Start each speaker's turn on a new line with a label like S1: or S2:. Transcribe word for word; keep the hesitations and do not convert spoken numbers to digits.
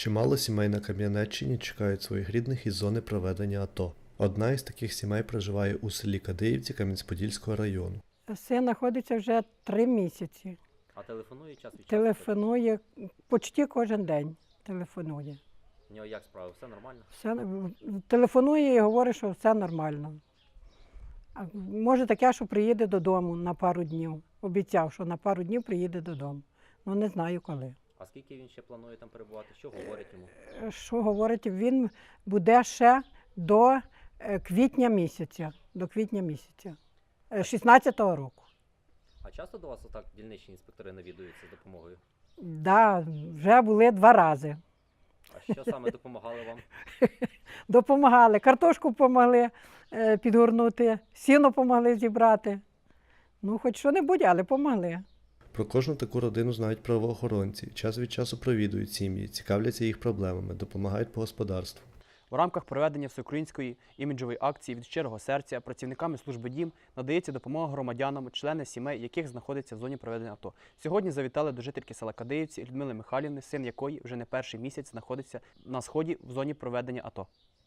S1: Чимало сімей на Кам'янеччині чекають своїх рідних із зони проведення АТО. Одна із таких сімей проживає у селі Кадиївці Кам'янець-Подільського району.
S2: Син знаходиться вже три місяці.
S3: А телефонує час від часу?
S2: Телефонує почти кожен день. Телефонує.
S3: У нього як справи? Все нормально?
S2: Все, телефонує і говорить, що все нормально. А може таке, що приїде додому на пару днів. Обіцяв, що на пару днів приїде додому. Ну не знаю коли.
S3: А скільки він ще планує там перебувати? Що говорить йому?
S2: Що говорить, він буде ще до е, квітня місяця. До квітня місяця. е, шістнадцятого року.
S3: А часто до вас отак дільничні інспектори навідуються з допомогою?
S2: Да, вже були два рази.
S3: А що саме допомагали вам?
S2: Допомагали. Картошку допомогли е, підгорнути, сіно допомогли зібрати. Ну, хоч що-небудь, але допомогли.
S1: Про кожну таку родину знають правоохоронці, час від часу провідують сім'ї, цікавляться їх проблемами, допомагають по господарству.
S4: У рамках проведення всеукраїнської іміджової акції від щирого серця працівниками служби «Дім» надається допомога громадянам, члени сімей, яких знаходяться в зоні проведення АТО. Сьогодні завітали до жительки села Кадиївці Людмили Михайлівни, син якої вже не перший місяць знаходиться на сході в зоні проведення АТО.